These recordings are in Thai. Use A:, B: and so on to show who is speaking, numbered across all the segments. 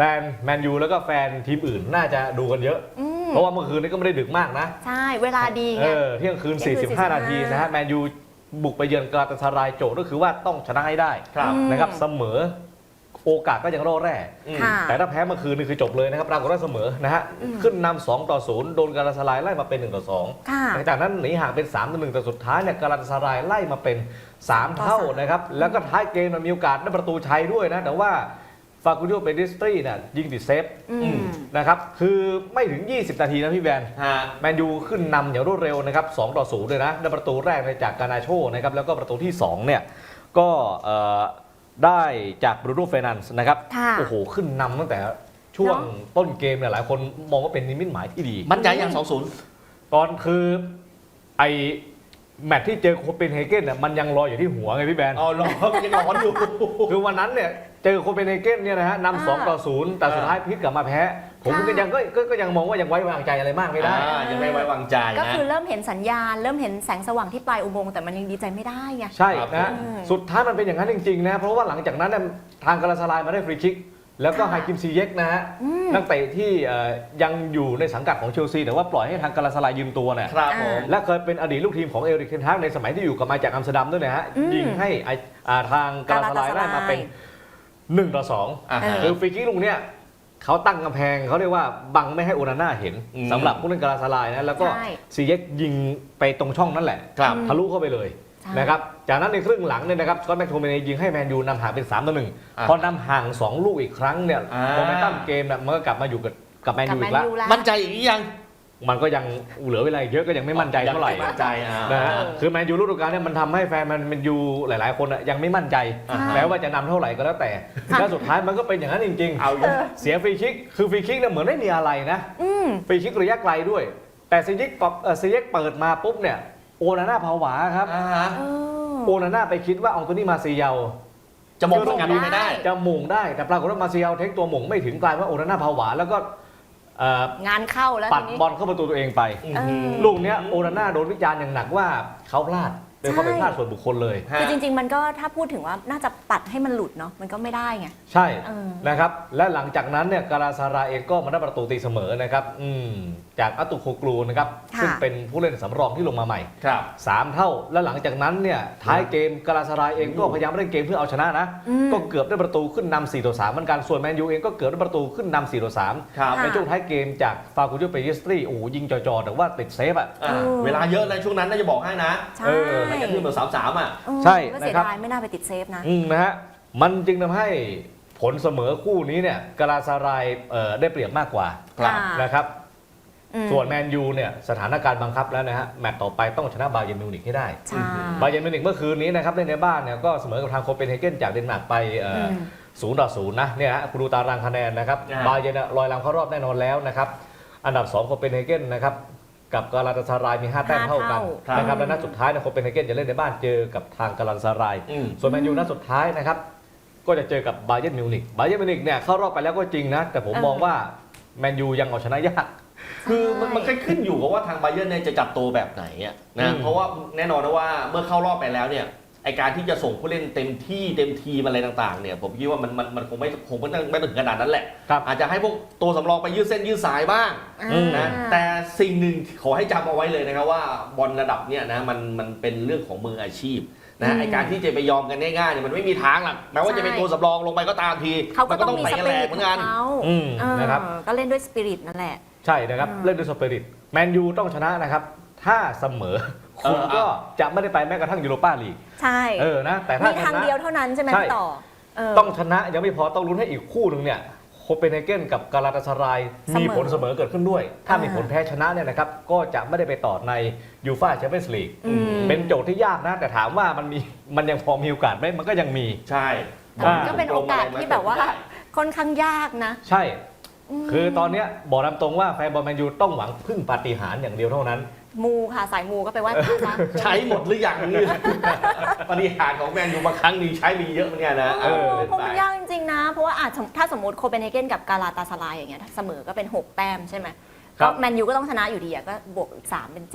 A: นแมนยูแล้วก็แฟนทีมอื่นน่าจะดูกันเยอะเพราะว่าเมื่อคืนนี้ก็ไม่ได้ดึกมากนะ
B: ใช่เวลาดีไง
A: เที่ยงคืน45 นาทีนะฮะแมนยูบุกไปเยือนกาลาตาซารายโจทย์ก็คือว่าต้องชนะให้ได้นะครับเสมอโอกาสก็ยังร่อแร่แต่ถ้าแพ้เมื่อคืนนี่คือจบเลยนะครับปรากฏว่าเสมอนะฮะขึ้นนำ2-0โดนกาลาตาซารายไล่มาเป็น1-2หลังจากนั้นหนีห่างเป็น3-1แต่สุดท้ายเนี่ยกาลาตาซารายไล่มาเป็น3เท่านะครับแล้วก็ท้ายเกมมันมีโอกาสได้ประตูชัยด้วยนะแต่ว่าฟาคูดิโอเปดิสตรีเนี่ยยิงติดเซฟนะครับคือไม่ถึง20 นาทีนะพี่แบนแมนยูขึ้นนำอย่างรวดเร็วนะครับ2-0เลยนะได้ประตูแรกจากกานาโชนะครับแล้วก็ประตูที่2เนี่ยก็ได้จากบรูโน่ เฟร์นันด์นะครับโอ้โหขึ้นนำตั้งแต่ช่วงต้นเกมเนี่ยหลายคนมองว่าเป็นนิมิตหมายที่ดี
C: มั่นใจอย่าง2-0
A: ตอนคือไอแมตช์ที่เจอโคเปนเฮเกนเนี่ยมันยังรออยู่ที่หัวไงพี่แบน
C: รอยังร้อนอยู่
A: คือวันนั้นเนี่ยเจอโคเปนเฮเกนเนี่ยนะฮะนำ2-0แต่สุดท้ายพลิกกลับมาแพ้ผมก็ยังมองว่ายังไว้วางใจอะไรมากไม่ได้
C: ยังไม่ไว้วางใจ
B: ก็คือเริ่มเห็นสัญญาณเริ่มเห็นแสงสว่างที่ปลายอุโมงค์แต่มันยังดีใจไม่ได้ไง
A: ใช่นะสุดท้ายมันเป็นอย่างนั้นจริงๆนะเพราะว่าหลังจากนั้นทางกาลาตาซารายมาได้ฟรีคิกแล้วก็ไฮคิมซีเย็กนะฮะนักเตะที่ยังอยู่ในสังกัดของเชลซีแต่ว่าปล่อยให้ทางกาลาตาซารายยืมตัวเนี่ยและเคยเป็นอดีตลูกทีมของเอริก เทนฮากในสมัยที่อยู่กับมาจากอัมสเตอร์ดัมด้วยนะฮะยิงให้ทางกาลาตาซารายได้มาเป็น1-2คือฟรีคิกลูกเนี้ยเขาตั้งกำแพงเขาเรียกว่าบังไม่ให้โอนาน่าเห็นสำหรับผู้เล่นกาลาตาซารายนะแล้วก็ซีเย็กยิงไปตรงช่องนั่นแหละทะลุเข้าไปเลยนะครับจากนั้นในครึ่งหลังเนี่ยนะครับสกอตต์ แม็กโทมิเนย์ยิงให้แมนยูนำห่างเป็น3-1พอนำห่าง2ลูกอีกครั้งเนี่ยโมเมนตัมเกมมันก็กลับมาอยู่กับแมนยูอีกแล้ว
C: มั่นใจอย่างนี้ยัง
A: มันก็ยังเหลือเวลาเยอะก็ยังไม่มั่นใจเท่าไหร่นะฮะคือแมนยูฤดูกาลเนี่ยมันทำให้แฟนแมนยูหลายๆคนยังไม่มั่นใจแม้ว่าจะนำเท่าไหร่ก็แล้วแต่แล้วสุดท้ายมันก็เป็นอย่างนั้นจริงๆเสียฟรีคิกคือฟรีคิกเนี่ยเหมือนไม่มีอะไรนะฟรีคิกระยะไกลด้วยแต่ซีเย็กเปิดมาปุ๊บเนี่ยโอนาน่าผวาครับโอนาน่าไปคิดว่าอังโตนี่มาซิเยล
C: จะมงกันไม่ได้
A: จะมงได้แต่ปรากฏว่ามาซิเยลเทคตัวมงไม่ถึงกลายว่าโอนาน่าผวาแล้วก็
B: งานเข้าแล้ว
A: ปัดบอลเข้าประตูตัวเองไปลูกนี้โอนาน่าโดนวิจารณ์อย่างหนักว่าเขาพลาดเป็นความผิดพลาดส่วนบุคคลเลย
B: คือจริงๆมันก็ถ้าพูดถึงว่าน่าจะปัดให้มันหลุดเนาะมันก็ไม่ได้ไง
A: ใช่นะครับและหลังจากนั้นเนี่ยกาลาตาซารายเองก็มาได้ประตูตีเสมอนะครับจากอัตุโคกลูนะครับซึ่งเป็นผู้เล่นสำรองที่ลงมาใหม่3 เท่าและหลังจากนั้นเนี่ยท้ายเกมกาลาตาซารายเองก็พยายามเล่นเกมเพื่อเอาชนะนะก็เกือบได้ประตูขึ้นนำ4-3เหมือนกันส่วนแมนยูเองก็เกือบได้ประตูขึ้นนำ4-3ในช่วงท้ายเกมจากฟาคูดิโอ เปดิสตรีโอ้ยิงจ่อๆแต่ว่าติดเซฟ
C: เวลาเยอะในช่วงนั้นน่าจะบอกให้นะไม่กันที่เหมือน3-3
A: ใช่
B: นะครับไม่น่าไปติดเซฟ
A: นะฮะมันจึงทำให้ผลเสมอคู่นี้เนี่ยกาลาตาซารายได้เปรียบมากกว่านะครับส่วนแมนยูเนี่ยสถานการณ์บังคับแล้วนะฮะแมตต์ต่อไปต้องชนะบาเยิร์นมิวนิกให้ได้บาเยิร์นมิวนิกเมื่อคืนนี้นะครับเล่นในบ้านเนี่ยก็เสมอกับทางโคเปนเฮเกนจากเดนมาร์กไป0-0นะเนี่ยฮะคุณดูตารางคะแนนนะครับบาเยิร์นลอยลำเข้ารอบแน่นอนแล้วนะครับอันดับ2โคเปนเฮเกนนะครับกับกาลาตาซารายมี5 แต้มเท่ากันนะครับและนัดสุดท้ายนะโคเปนเฮเกนจะเล่นในบ้านเจอกับทางกาลาตาซารายส่วนแมนยูนัดสุดท้ายนะครับก็จะเจอกับบาเยิร์นมิวนิกเนี่ยเข้ารอบไปแล้วก็จริงนะแต่ผมมองว่าแมนยูยังเอาชนะยาก
C: คือมันขึ้นอยู่กับว่าทางบาเยิร์นเนี่ยจะจับตัวแบบไหนนะเพราะว่าแน่นอนนะว่าเมื่อเข้ารอบไปแล้วเนี่ยไอการที่จะส่งผู้เล่นเต็มทีมอะไรต่างๆเนี่ยผมคิดว่ามันคงไม่ถึงขนาดนั้นแหละอาจจะให้พวกตัวสำรองไปยืดเส้นยืดสายบ้างนะแต่สิ่งหนึ่งขอให้จำเอาไว้เลยนะครับว่าบอลระดับเนี่ยนะมันเป็นเรื่องของมืออาชีพนะไอการที่จะไปยอมกันง่ายๆเนี่ยมันไม่มีทางหรอกแม้ว่าจะเป็นตัวสำรองลงไปก็ตามที
B: มันก็ต้องมีสปิริตเหมือนกัน
A: นะครับ
B: ก็เล่นด้วยสปิริตนั่นแหละ
A: ใช่นะครับเล่นด้วยสปิริตแมนยูต้องชนะนะครับถ้าเสมอคุณก็จะไม่ได้ไปแม้กระทั่งยูโรปาลีก
B: ใช่
A: นะแต่ถ้า
B: มีทางเดียวเท่านั้นใช่ไหมต่อ
A: ต้องชนะยังไม่พอต้องลุ้นให้อีกคู่หนึ่งเนี่ยโคเปนเฮเกนกับกาลาตาซารายมีผลเสมอเกิดขึ้นด้วยถ้ามีผลแพ้ชนะเนี่ยนะครับก็จะไม่ได้ไปต่อในยูฟ่าแชมเปี้ยนส์ลีกเป็นโจทย์ที่ยากนะแต่ถามว่ามันยังพอมีโอกาสไหมมันก็ยังมี
C: ใช่
B: ก็เป็นโอกาสที่แบบว่าค่อนข้างยากนะ
A: ใช่คือตอนนี้บอกตามตรงว่าแฟนบอลแมนยูต้องหวังพึ่งปาฏิหาริย์อย่างเดียวเท่านั้น
B: มูค่ะสายมูก็ไปไหว้พระ
C: ใช้หมดหรือยังนี่ปาฏิหาริย์ของแมนยูบางครั้งนี่ใช้มีเยอะเหมือนกันนะ
B: เพราะมันยากจริงๆนะเพราะว่าถ้าสมมติโคเปนเฮเกนกับกาลาตาซารายอย่างเงี้ยเสมอก็เป็น6 แต้มใช่ไหมก็แมนยูก็ต้องชนะอยู่ดีก็บวกอีก3เป็น7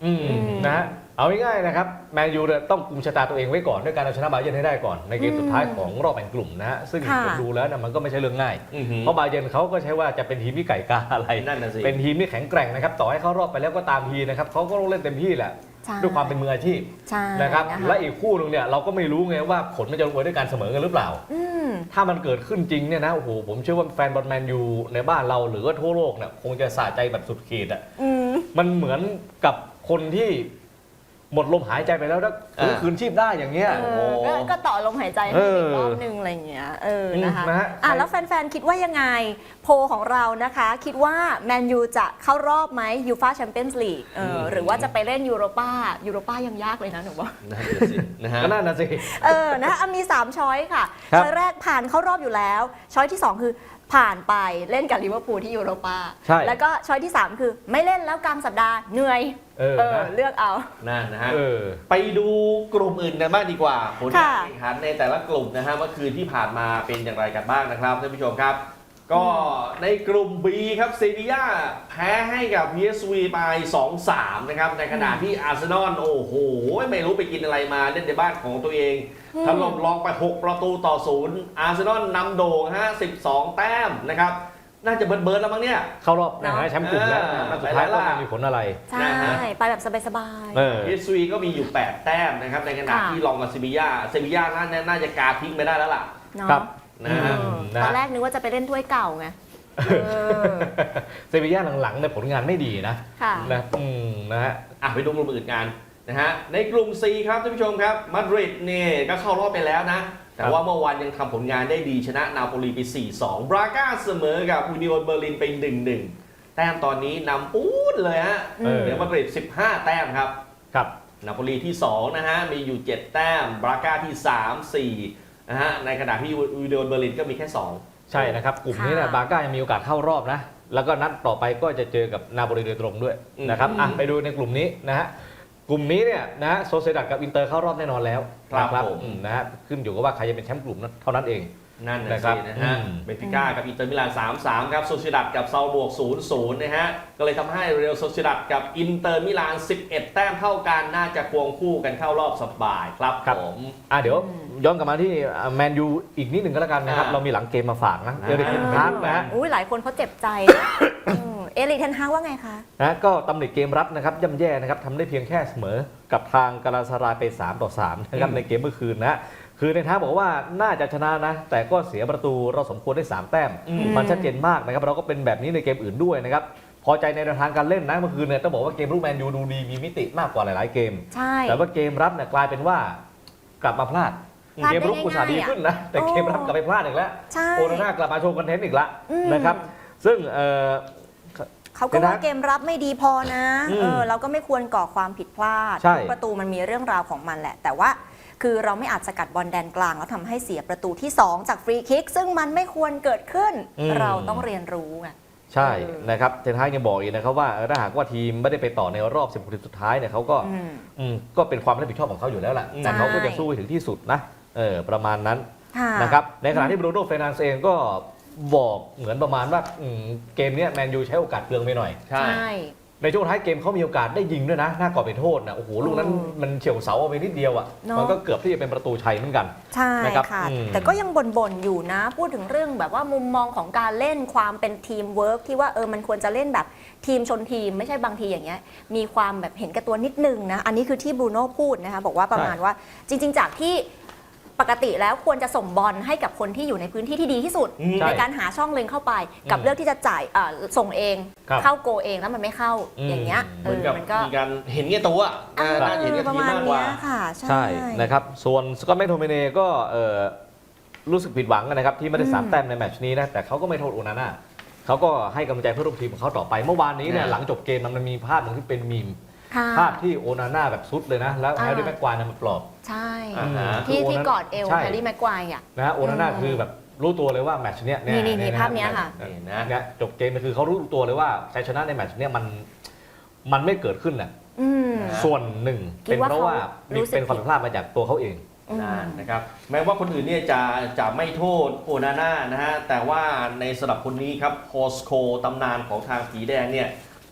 A: นะฮะเอาง่ายๆนะครับแมนยูต้องกุมชะตาตัวเองไว้ก่อนด้วยการเอาชนะบาเยิร์นให้ได้ก่อนในเกมสุดท้ายของรอบแบ่งกลุ่มนะฮะซึ่งผมดูแล้วมันก็ไม่ใช่เรื่องง่ายเพราะบาเยิร์นเขาก็ใช้ว่าจะเป็นทีมที่ไก่กาอะไร
C: นั่นน่ะสิ
A: เป็นทีมที่แข็งแกร่งนะครับต่อให้เขารอบไปแล้วก็ตามทีนะครับเขาก็ต้องเล่นเต็มที่แหละด้วยความเป็นมืออาชีพนะครับและอีกคู่นึงเนี่ยเราก็ไม่รู้ไงว่าผลมันจะลงเอยด้วยการเสมอกันหรือเปล่าถ้ามันเกิดขึ้นจริงเนี่ยนะโอ้โหผมเชื่อว่าแฟนบอลแมนยูในบ้านเราหรือว่าทั่วโลกเนี่ยคงจะสะใจแบบสุดขีดอ่ะมันเหมือนกับคนที่หมดลมหายใจไปแล้วแล้วคืนชีพได้อย่างเงี้ย
B: ก็ต่อลมหายใจให้อีกรอบนึงอะไรอย่างเงี้ยนะคะแล้วแฟนๆคิดว่ายังไงโพลของเรานะคะคิดว่าแมนยูจะเข้ารอบไหมยูฟ่าแชมเปี้ยนส์ลีกหรือว่าจะไปเล่นยูโรป้ายังยากเลยนะหนูว่า
A: ก็น่าสิ
B: นะคะมี3ช้อยค่ะช้อยแรกผ่านเข้ารอบอยู่แล้วช้อยที่2คือผ่านไปเล่นกับลิเวอร์พูลที่ยูโรป้าแล้วก็ช้อยที่3คือไม่เล่นแล้วกลางสัปดาห์เหนื่อยเลือกเอา
C: นั่นนะฮะไปดูกลุ่มอื่นกันบ้างดีกว่าผลการแข่งขันในแต่ละกลุ่มนะฮะเมื่อคืนที่ผ่านมาเป็นอย่างไรกันบ้างนะครับท่านผู้ชมครับก็ในกลุ่ม B ครับเซบีย่าแพ้ให้กับ PSV ไป 2-3 นะครับในขณะที่อาร์เซนอลโอ้โหไม่รู้ไปกินอะไรมาเล่นในบ้านของตัวเองถล่มลองไป6-0อาร์เซนอลนำโด่งฮะ12 แต้มนะครับน่าจะเบิร์ดแล้วมั้งเนี่ย
A: เข้ารอบนะแชมป์กลุ่มแล้วสุดท้ายก็ไม่มีผลอะไร
B: ใช่ไปแบบสบาย
C: ๆPSV ก็มีอยู่8 แต้มนะครับในขณะที่ลองกับเซบีย่าน่าจะกาทิ้งไปได้แล้วล่ะ
A: ครับ
B: ตอนแรกนึกว่าจะไปเล่นถ้วยเก่าไง
A: เซบีย่าหลังๆในผลงานไม่ดีนะนะฮะ
C: ไปดูกลุ่มอื่นกันนะฮะในกลุ่ม C ครับท่านผู้ชมครับมาดริดเนี่ยก็เข้ารอบไปแล้วนะแต่ว่าเมื่อวานยังทำผลงานได้ดีชนะนาโปลีไป 4-2 บราก้าเสมอกับอูนิโอนเบอร์ลินไป 1-1 แต้มตอนนี้นำปู๊ดเลยฮะเดี๋ยวมาดริด15 แต้มครับนาโปลีที่2นะฮะมีอยู่7 แต้มบราก้าที่3-4นะฮะในขณะที่อูนิโอนเบอร์ลินก็มีแค่2
A: ใช่นะครับกลุ่มนี้เนี่ยบราก้ายังมีโอกาสเข้ารอบนะแล้วก็นัดต่อไปก็จะเจอกับนาโปลีโดยตรงด้วยนะครับไปดูในกลุ่มนี้นะฮะกลุ่มนี้เนี่ยนะโซเซดัดกับอินเตอร์เข้ารอบแน่นอนแล้ว
C: ครับ
A: นะฮะขึ้นอยู่กับว่าใครจะเป็นแชมป์กลุ่มเท่านั้นเอง
C: นั่นนะครับนะฮะเบนฟิก้ากับอินเตอร์มิลาน 3-3 ครับโซเซดัดกับซาลบวก 0-0 นะฮะก็เลยทำให้เรอัลโซเซดัดกับอินเตอร์มิลาน11 แต้มเท่ากันน่าจะควงคู่กันเข้ารอบสบายครับผม
A: เดี๋ยวย้อนกลับมาที่แมนยูอีกนิดหนึ่งก็แล้วกันนะครับเรามีหลังเกมมาฝากนะเอริก เทนฮากนะ
B: หลายคนเขาเจ็บใจเอริก เทนฮากว่าไงคะ
A: ก็ตำหนิเกมรับนะครับย่ำแย่นะครับทำได้เพียงแค่เสมอกับทางกาลาตาสารายไป 3-3 นะครับในเกมเมื่อคืนนะคือในท้ายบอกว่าน่าจะชนะนะแต่ก็เสียประตูเราสมควรได้3 แต้มมันชัดเจนมากนะครับเราก็เป็นแบบนี้ในเกมอื่นด้วยนะครับพอใจในแนวทางการเล่นนะเมื่อคืนเนี่ยต้องบอกว่าเกมรุกแมนยูดูดีมีมิติมากกว่าหลายๆเกมแต่ว่าเกมรับเนี่ยกลายเป็นว่ากลับมาพลาดเกมรุกอุตส่าห์ดีขึ้นนะแต่เกมรับกลับไปพลาดอีกแล้วโอนาน่ากลับมาโชว์คอนเทนต์อีกแล้วนะครับซึ่ง
B: เขาก็ว่าเกมรับไม่ดีพอนะเราก็ไม่ควรก่อความผิดพลาดประตูมันมีเรื่องราวของมันแหละแต่ว่าคือเราไม่อาจสกัดบอลแดนกลางแล้วทำให้เสียประตูที่2จากฟรีคิกซึ่งมันไม่ควรเกิดขึ้นเราต้องเรียนรู้ไง
A: ใช่นะครับเทนฮากยังบอกอีกนะครับว่าถ้าหากว่าทีมไม่ได้ไปต่อในรอบ10 คนสุดท้ายเนี่ยเขาก็เป็นความรับผิดชอบของเขาอยู่แล้วแหละแต่เขาก็จะสู้ไปถึงที่สุดนะประมาณนั้นนะครับในขณะที่บรูโน่ เฟร์นันเดสเองก็บอกเหมือนประมาณว่าเกมนี้แมนยูใช้โอกาสเปลืองไปหน่อย
B: ใช่
A: ในช่วงท้ายเกมเขามีโอกาสได้ยิงด้วยนะหน้ากรอบเป็นโทษนะโอ้โหลูกนั้นมันเฉียวเสาไปนิดเดียวมันก็เกือบที่จะเป็นประตูชัยเหมือนกัน
B: ใช่ค่ะแต่ก็ยังบ่นอยู่นะพูดถึงเรื่องแบบว่ามุมมองของการเล่นความเป็นทีมเวิร์กที่ว่ามันควรจะเล่นแบบทีมชนทีมไม่ใช่บางทีอย่างเงี้ยมีความแบบเห็นแก่ตัวนิดนึงนะอันนี้คือที่บรูโน่พูดนะคะบอกว่าประมาณว่าจริงๆจากที่ปกติแล้วควรจะส่งบอลให้กับคนที่อยู่ในพื้นที่ที่ดีที่สุดในการหาช่องเล็งเข้าไปกับเลือกที่จะจ่ายส่งเองเข้าโกเองแล้วมันไม่เข้าอย่างเงี้ย
C: มันก็มีการเห็นแก่ตัวน่าเห็นแก่ทีมมากกว่า
A: ใช่นะครับส่วนสกอตต์ แมคโทมิเน่ก็รู้สึกผิดหวังนะครับที่ไม่ได้3 แต้มในแมตช์นี้นะแต่เขาก็ไม่โทษโอนาน่าเขาก็ให้กำลังใจเพื่อนร่วมทีมของเขาต่อไปเมื่อวานนี้เนี่ยหลังจบเกมมันมีภาพหนึ่งที่เป็นมีมภาพที่โอนาน่าแบบซุดเลยนะแล้วแฮร์รี่แม็กควายมันปลอบ
B: ใช่ที่กอดเอวแฮร์รี่แม็กควาย
A: นะโอนาน่าคือแบบรู้ตัวเลยว่าแมตช์เนี้ย
B: นี่ภาพเนี้ยค่ะ
A: เนี่ยจบเกมคือเขารู้ตัวเลยว่าชัยชนะในแมตช์เนี้ยมันไม่เกิดขึ้นน่ะส่วนหนึ่งเป็นเพราะว่าเป็นความผิดพลาดมาจากตัวเขาเอง
C: นะครับแม้ว่าคนอื่นเนี่ยจะไม่โทษโอนาน่านะฮะแต่ว่าในสำหรับคนนี้ครับโฮสโคตำนานของทางผีแดงเนี่ย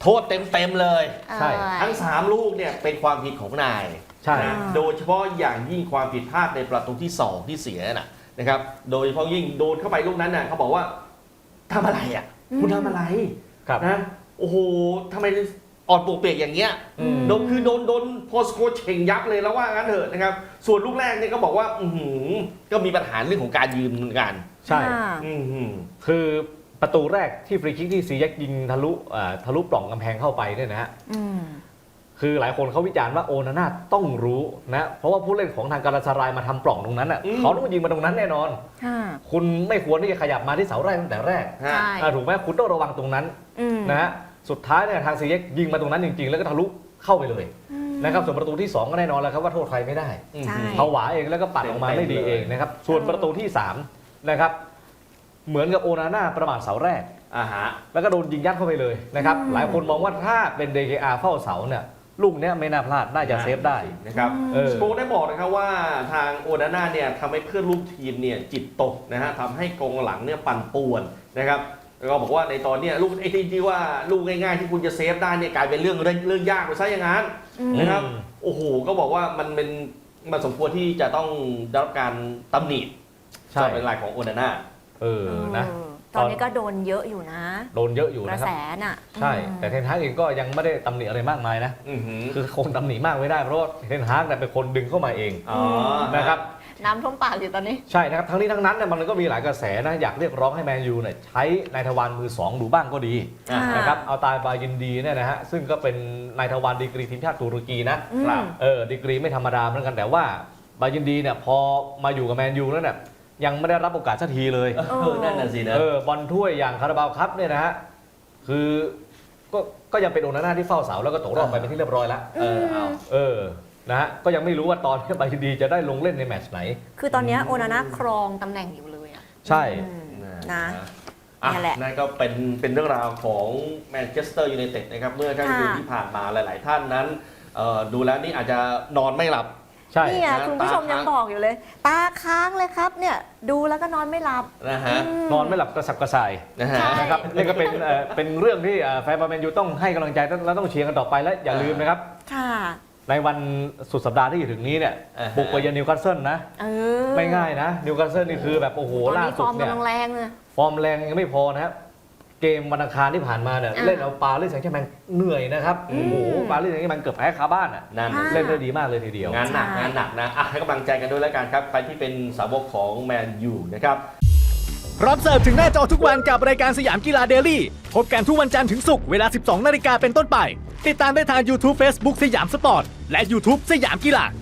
C: โทษเต็มๆเลย
A: ใช่
C: ทั้ง 3 ลูกเนี่ยเป็นความผิดของนาย
A: ใช่
C: นะโดยเฉพาะอย่างยิ่งความผิดพลาดในประตูที่ 2 ที่เสียนะครับโดยเฉพาะยิ่งโดนเข้าไปลูกนั้นน่ะเขาบอกว่าทำอะไรอ่ะคุณทำอะไร
A: ครับ
C: นะโอ้โหทำไมอ่อนปวกเปียกอย่างเงี้ย โดนคือโดนโพสโคเชงยับเลยแล้วว่างั้นเถอะนะครับส่วนลูกแรกเนี่ยก็บอกว่าก็มีปัญหาเรื่องของการยืนเหมือนกัน
A: ใช่
C: อืม
A: คือประตูแรกที่ฟรีคิกที่ซีแยกยิงทะลุปล่องกำแพงเข้าไปเนี่ยนะฮะ คือหลายคนเขาวิจารณ์ว่าโอนาน่าต้องรู้นะเพราะว่าผู้เล่นของทางการาซารายมาทำปล่องตรงนั้นอ่ะเขาต้องยิงมาตรงนั้นแน่นอน คุณไม่ควรที่จะขยับมาที่เสาแรกตั้งแต่แรก
C: ฮะ
A: ถูกไหมคุณต้องระวังตรงนั้นนะฮะสุดท้ายเนี่ยทางซีเย็กยิงมาตรงนั้นจริงๆ แล้วก็ทะลุเข้าไปเลยนะครับส่วนประตูที่ 2 ก็แน่นอนแล้วครับว่าโทษใครไม่ได้
B: ใช่
A: เขาหวาเองแล้วก็ปัดออกมาไม่ดีเองนะครับส่วนประตูที่3นะครับเหมือนกับโอนาน่าประมาทเสาแรก
C: ฮะ
A: แล้วก็โดนยิงยัดเข้าไปเลยนะครับหลายคนมองว่าถ้าเป็น DKR เฝ้าเสาเนี่ยลูกเนี้ยไม่น่าพลาดน่าจะเซฟได้
C: นะครับ สโปกได้บอกนะครับว่าทางโอนาน่าเนี่ยทำให้เพื่อนร่วมทีมเนี่ยจิตตกนะฮะทำให้กองหลังเนี่ยปั่นป่วนนะครับแล้วก็บอกว่าในตอนเนี้ยลูกไอ้ที่ว่าลูกง่ายๆที่คุณจะเซฟได้เนี่ยกลายเป็นเรื่องยากไปซะอย่างนั้นนะครับโอ้โหก็บอกว่ามันสมควรที่จะต้องได้รับการตำหนิ
A: ใช่
C: จากเป็นรายของโอนาน่า
A: นะ
B: ตอนนี้ก็โดนเยอะอยู่นะ
A: โดนเยอะอยู่
B: กระ
A: นะครับ
B: แสน่ะ
A: ใช่ แต่เทนฮากเองก็ยังไม่ได้ตำหนิอะไรมากมายนะ คือคนตำหนิมากไม่ได้เพราะว่าเทนฮากเนี่ยเป็นคนดึงเข้ามาเอง
C: อ๋อ
A: นะครับ
B: น้ำท่วมปากอยู่ตอนนี้
A: ใช่นะครับทั้งนี้ทั้งนั้นเนี่ยมันก็มีหลายกระแสนะอยากเรียกร้องให้แมนยูเนี่ยใช้นายทวารมือ 2 ดูบ้างก็ดี
B: อ่าน
A: นะครับเอาตายบายินดีเนี่ยนะฮะซึ่งก็เป็นนายทวารดีกรีทีมชาติตุรกีนะครับดีกรีไม่ธรรมดาเหมือนกันแต่ว่าบายินดีเนี่ยพอมาอยู่กับแมนยูแล้วเนี่ยยังไม่ได้รับโอกาสสักทีเลย
C: นั่นน่ะสินะ
A: บอลถ้วยอย่างคาราบาวคัพเนี่ยนะฮะคือก็ยังเป็นโอนาน่าที่เฝ้าเสาแล้วก็ตกรอบไปเป็นที่เรียบร้อยแล้ว นะฮะก็ยังไม่รู้ว่าตอนนี้บายินดีจะได้ลงเล่นในแมตช์ไหน
B: คือตอนนี้โอนาน่าครองตำแหน่งอยู่เลยอ่ะ
A: ใช่
B: นะ
C: อ่ะ
B: นั่นแหละ
C: นั่นก็เป็นเรื่องราวของแมนเชสเตอร์ยูไนเต็ดนะครับเมื่อค่ำคืนที่ผ่านมาหลาย ๆ ท่านนั้นดูแล้วนี่อาจจะนอนไม่หลับ
A: ใช่
B: นี่ไงคุณผู้ชมยังบอกอยู่เลย ตาค้างเลยครับเนี่ยดูแล้วก็นอนไม่หลับ
C: นะฮะ
A: นอนไม่หลับกระสับกระส่าย
C: นะฮะ
B: ใช่
A: นะครับนี่ก็เป็นเรื่องที่แฟนบอลแมนยูต้องให้กำลังใจและต้องเชียร์กันต่อไปและอย่าลืมนะครับ
B: ค่ะ
A: ในวันสุดสัปดาห์ที่จะถึงนี้เนี่ย
C: อ่าฮะ
A: บุกไปเยือนนิวคาสเซิลนะ ไม่ง่ายนะนิวคาสเซิลนี่คือแบบโอ้โห
B: ตอน
A: ล่า
B: นี้ฟ
A: สุ
B: อ
A: ด
B: ร์ม
A: เนี่ย
B: กำลังแรงเลย
A: ฟอร์มแรงยังไม่พอนะครับเกมวันอังคารที่ผ่านมาเนี่ยเล่นเอาปารีสแซงต์แชร์แมงเหนื่อยนะครับโอ้โหปารีสแซงต์แชร์แมงเกือบแพ้คาบ้านอ่ะ
C: นั่น
B: ค่ะ
A: เล่นได้ดีมากเลยทีเดียว
C: งานหนัก
B: ใช่
C: งานหนักนะอ่ะให้กำลังใจกันด้วยแล้วกันครับใครที่เป็นสาวกของแมนยูนะครับ
D: รับเสิร์ฟถึงหน้าจอทุกวันกับรายการสยามกีฬาเดลี่พบกันทุกวันจันทร์ถึงศุกร์เวลา 12 นาฬิกาเป็นต้นไป ติดตามได้ทาง YouTube Facebook สยามสปอร์ต และ YouTube สยามกีฬา